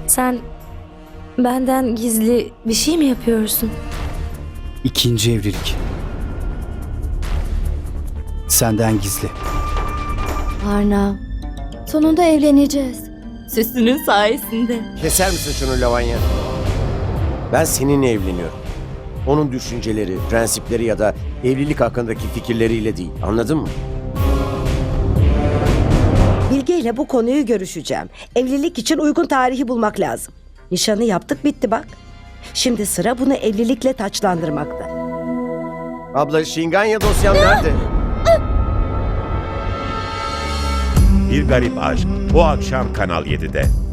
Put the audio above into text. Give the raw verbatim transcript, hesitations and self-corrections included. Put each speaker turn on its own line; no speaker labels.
Sen benden gizli bir şey mi yapıyorsun?
İkinci evlilik. Senden gizli.
Arnav, sonunda evleneceğiz. Süslünün sayesinde.
Keser misin şunu Lavanya? Ben seninle evleniyorum. Onun düşünceleri, prensipleri ya da evlilik hakkındaki fikirleriyle değil. Anladın mı?
Bilge ile bu konuyu görüşeceğim. Evlilik için uygun tarihi bulmak lazım. Nişanı yaptık, bitti bak. Şimdi sıra bunu evlilikle taçlandırmakta.
Abla, Şinganya dosyam nerede?
Bir Garip Aşk bu akşam Kanal yedide.